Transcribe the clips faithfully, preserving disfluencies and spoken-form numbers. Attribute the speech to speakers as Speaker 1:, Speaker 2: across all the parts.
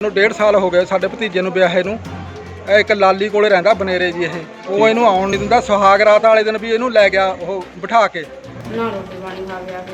Speaker 1: ਨੂੰ डेढ़ साल हो गए साडे भतीजे ਨੂੰ ਵਿਆਹੇ ਨੂੰ। एक लाली ਕੋਲੇ ਰਹਿੰਦਾ ਬਨੇਰੇ ਜੀ ਇਹ ਉਹ ਇਹਨੂੰ ਆਉਣ ਨਹੀਂ ਦਿੰਦਾ। ਸੁਹਾਗ ਰਾਤ ਵਾਲੇ ਦਿਨ ਵੀ ਇਹਨੂੰ ਲੈ ਗਿਆ ਉਹ ਬਿਠਾ ਕੇ
Speaker 2: ਨਾ ਰੋਟੀ ਪਾਣੀ ਖਾ ਗਿਆ।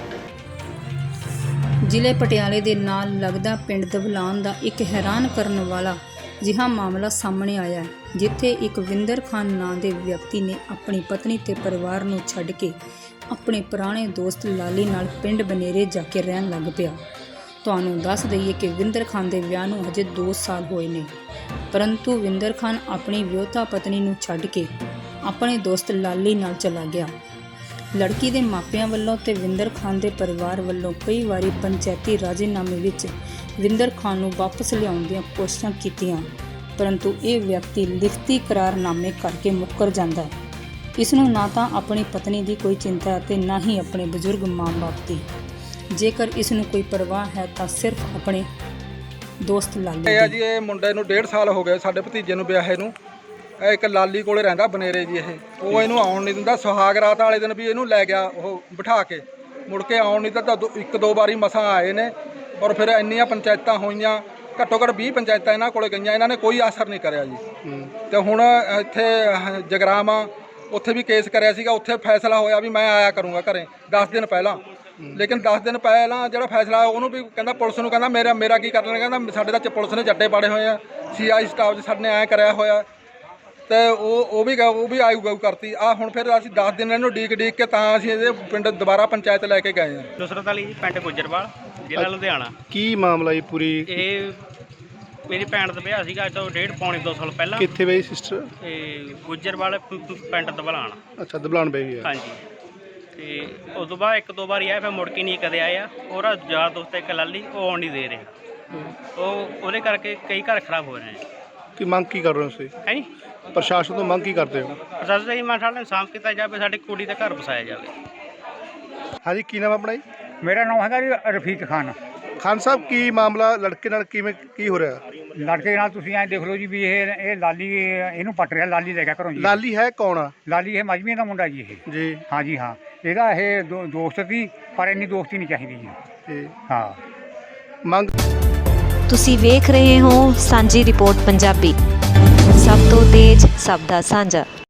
Speaker 3: ਜ਼ਿਲ੍ਹੇ ਪਟਿਆਲੇ ਦੇ ਨਾਲ ਲੱਗਦਾ ਪਿੰਡ ਦਬਲਾਨ ਦਾ ਇੱਕ ਹੈਰਾਨ ਕਰਨ ਵਾਲਾ ਜਿਹਾ ਮਾਮਲਾ ਸਾਹਮਣੇ ਆਇਆ ਹੈ, ਜਿੱਥੇ ਇੱਕ ਵਿੰਦਰ ਖਾਨ ਨਾਂ ਦੇ ਵਿਅਕਤੀ ਨੇ ਆਪਣੀ ਪਤਨੀ ਤੇ ਪਰਿਵਾਰ ਨੂੰ ਛੱਡ ਕੇ ਆਪਣੇ ਪੁਰਾਣੇ ਦੋਸਤ ਲਾਲੀ ਨਾਲ ਪਿੰਡ ਬਨੇਰੇ ਜਾ ਕੇ ਰਹਿਣ ਲੱਗ ਪਿਆ। ਤੁਹਾਨੂੰ ਦੱਸ ਦਈਏ ਕਿ ਵਿੰਦਰ ਖਾਨ ਦੇ ਵਿਆਹ ਨੂੰ ਅਜੇ ਦੋ ਸਾਲ ਹੋਏ ਨੇ, ਪਰੰਤੂ ਵਿੰਦਰ ਖਾਨ ਆਪਣੀ ਵਿਆਹੁਤਾ ਪਤਨੀ ਨੂੰ ਛੱਡ ਕੇ ਆਪਣੇ ਦੋਸਤ ਲਾਲੀ ਨਾਲ ਚਲਾ ਗਿਆ। ਲੜਕੀ ਦੇ ਮਾਪਿਆਂ ਵੱਲੋਂ ਤੇ ਵਿੰਦਰ ਖਾਨ ਦੇ ਪਰਿਵਾਰ ਵੱਲੋਂ ਕਈ ਵਾਰੀ ਪੰਚਾਇਤੀ ਰਾਜੀਨਾਮੇ ਵਿੱਚ ਵਿੰਦਰ ਖਾਨ ਨੂੰ ਵਾਪਸ ਲਿਆਉਣ ਦੀਆਂ ਕੋਸ਼ਿਸ਼ਾਂ ਕੀਤੀਆਂ, ਪਰੰਤੂ ਇਹ ਵਿਅਕਤੀ ਲਿਖਤੀ ਕਰਾਰਨਾਮੇ ਕਰਕੇ ਮੁੱਕਰ ਜਾਂਦਾ ਹੈ। ਇਸ ਨੂੰ ਨਾ ਤਾਂ ਆਪਣੀ ਪਤਨੀ ਦੀ ਕੋਈ ਚਿੰਤਾ ਅਤੇ ਨਾ ਹੀ ਆਪਣੇ ਬਜ਼ੁਰਗ ਮਾਂ-ਬਾਪ ਦੀ। ਜੇਕਰ ਇਸ ਨੂੰ ਕੋਈ ਪਰਵਾਹ ਹੈ ਤਾਂ ਸਿਰਫ ਆਪਣੇ ਦੋਸਤ ਲਾਲੀ
Speaker 1: ਇਹ ਆ ਜੀ। ਇਹ ਮੁੰਡੇ ਨੂੰ डेढ़ साल ਹੋ ਗਏ ਸਾਡੇ ਭਤੀਜੇ ਨੂੰ ਵਿਆਹੇ ਨੂੰ। ਇੱਕ ਲਾਲੀ ਕੋਲੇ ਰਹਿੰਦਾ ਬਨੇਰੇ ਜੀ ਇਹ ਉਹ ਇਹਨੂੰ ਆਉਣ ਨਹੀਂ ਦਿੰਦਾ। ਸੁਹਾਗ ਰਾਤ ਵਾਲੇ ਦਿਨ ਵੀ ਇਹਨੂੰ ਲੈ ਗਿਆ ਉਹ ਬਿਠਾ ਕੇ, ਮੁੜ ਕੇ ਆਉਣ ਨਹੀਂ ਦਿੱਤਾ। ਇੱਕ ਦੋ ਵਾਰੀ ਮਸਾਂ ਆਏ ਨੇ, ਔਰ ਫਿਰ ਇੰਨੀਆਂ ਪੰਚਾਇਤਾਂ ਹੋਈਆਂ, ਘੱਟੋ ਘੱਟ ਵੀਹ ਪੰਚਾਇਤਾਂ ਇਹਨਾਂ ਕੋਲੇ ਗਈਆਂ, ਇਹਨਾਂ ਨੇ ਕੋਈ ਅਸਰ ਨਹੀਂ ਕਰਿਆ ਜੀ। ਤੇ ਹੁਣ ਇੱਥੇ ਜਗਰਾਮਾ ਉੱਥੇ ਵੀ ਕੇਸ ਕਰਿਆ ਸੀਗਾ, ਉੱਥੇ ਫੈਸਲਾ ਹੋਇਆ ਵੀ ਮੈਂ ਆਇਆ ਕਰੂੰਗਾ ਘਰੇ ਦਸ ਦਿਨ ਪਹਿਲਾਂ। ਲੇਕਿਨ ਦਸ ਦਿਨ ਪਹਿਲਾਂ ਜਿਹੜਾ ਫੈਸਲਾ ਉਹਨੂੰ ਵੀ ਕਹਿੰਦਾ ਪੁਲਿਸ ਨੂੰ ਕਹਿੰਦਾ ਮੇਰਾ ਮੇਰਾ ਕੀ ਕਰਨਾ, ਕਹਿੰਦਾ ਸਾਡੇ ਤਾਂ ਪੁਲਿਸ ਨੇ ਜੱਟੇ ਪਾੜੇ ਹੋਏ ਆ, ਸੀ ਆਈ ਸਟਾਫ 'ਚ ਸਾਡੇ ਨੇ ਐਂ ਕਰਿਆ ਹੋਇਆ। ਤੇ ਉਹ ਉਹ ਵੀ ਉਹ ਵੀ ਆਊ ਗਊ ਕਰਤੀ ਆ। ਹੁਣ ਫਿਰ ਅਸੀਂ ਦਸ ਦਿਨ ਇਹਨੂੰ ਡੀਕ ਡੀਕ ਕੇ ਤਾਂ ਅਸੀਂ ਇਹਦੇ ਪਿੰਡ ਦੁਬਾਰਾ ਪੰਚਾਇਤ ਲੈ ਕੇ ਗਏ ਹਾਂ।
Speaker 4: ਨੁਸਰਤ ਅਲੀ ਜੀ, ਪਿੰਡ ਗੁੱਜਰਵਾਲ, ਜ਼ਿਲ੍ਹਾ ਲੁਧਿਆਣਾ।
Speaker 5: ਕੀ ਮਾਮਲਾ ਇਹ ਪੂਰੀ?
Speaker 4: ਇਹ ਮੇਰੀ ਭੈਣ ਦਾ ਵਿਆਹ ਸੀਗਾ ਅੱਜ ਤੋਂ ਡੇਢ ਪੌਣੇ ਦੋ ਸਾਲ ਪਹਿਲਾਂ।
Speaker 5: ਕਿੱਥੇ ਬਈ ਸਿਸਟਰ?
Speaker 4: ਤੇ ਗੁੱਜਰਵਾਲ ਪਿੰਡ ਦਬਲਾਣ।
Speaker 5: ਅੱਛਾ, ਦਬਲਾਨ ਬਈ ਗਿਆ।
Speaker 4: ਹਾਂਜੀ। ਤੇ ਉਸ ਤੋਂ ਬਾਅਦ ਇੱਕ ਦੋ ਵਾਰੀ ਆਇਆ, ਫਿਰ ਮੁੜ ਕੇ ਨਹੀਂ ਕਦੇ ਆਇਆ। ਉਹਦਾ ਯਾਰ ਦੋਸਤ ਇੱਕ ਲਾਲੀ, ਉਹ ਆਉਣ ਨਹੀਂ ਦੇ ਰਿਹਾ। ਉਹ ਉਹਦੇ ਕਰਕੇ ਕਈ ਘਰ ਖਰਾਬ ਹੋ ਰਹੇ ਨੇ।
Speaker 5: ਕੀ ਮੰਗ ਕੀ ਕਰ ਰਹੇ ਹੋ ਤੁਸੀਂ?
Speaker 4: ਹੈ ਜੀ,
Speaker 5: ਪ੍ਰਸ਼ਾਸਨ ਤੋਂ ਮੰਗ ਕੀ ਕਰਦੇ ਹੋ?
Speaker 4: ਪ੍ਰਸ਼ਾਸਨ ਦਾ ਜੀ ਮੈਂ ਸਾਡੇ ਇਨਸਾਫ ਕੀਤਾ ਜਾਵੇ, ਸਾਡੀ ਕੁੜੀ ਦਾ ਘਰ ਵਸਾਇਆ ਜਾਵੇ।
Speaker 5: ਹਾਂਜੀ, ਕੀ ਨਾਮ ਆਪਣਾ ਜੀ?
Speaker 6: ਮੇਰਾ ਨਾਮ ਹੈਗਾ ਜੀ ਰਫੀਕ ਖਾਨ।
Speaker 5: ਖਾਨ ਸਾਹਿਬ, ਕੀ ਮਾਮਲਾ ਲੜਕੇ ਨਾਲ ਕਿਵੇਂ ਕੀ ਹੋ ਰਿਹਾ?
Speaker 6: ਲੜਕੇ ਨਾਲ ਤੁਸੀਂ ਐਂ ਦੇਖ ਲਓ ਜੀ ਵੀ ਇਹ ਇਹ ਲਾਲੀ ਇਹਨੂੰ ਪੱਟ ਰਿਹਾ, ਲਾਲੀ ਲੈ ਗਿਆ ਘਰੋਂ ਜੀ।
Speaker 5: ਲਾਲੀ ਹੈ ਕੌਣ ਆ?
Speaker 6: ਲਾਲੀ ਇਹ ਮਜਮੀ ਦਾ ਮੁੰਡਾ ਜੀ ਇਹ।
Speaker 5: ਜੀ
Speaker 6: ਹਾਂ ਜੀ ਹਾਂ, ਇਹਦਾ ਇਹ ਦੋ- ਦੋਸਤ ਸੀ, ਪਰ ਇੰਨੀ ਦੋਸਤੀ ਨਹੀਂ ਚਾਹੀਦੀ ਜੀ।
Speaker 5: ਜੀ
Speaker 6: ਹਾਂ।
Speaker 5: ਮੰਗ
Speaker 7: ਤੁਸੀਂ ਵੇਖ ਰਹੇ ਹੋ ਸਾਂਝੀ ਰਿਪੋਰਟ ਪੰਜਾਬੀ, ਸਭ ਤੋਂ ਤੇਜ਼ ਸਭ ਦਾ ਸਾਂਝਾ।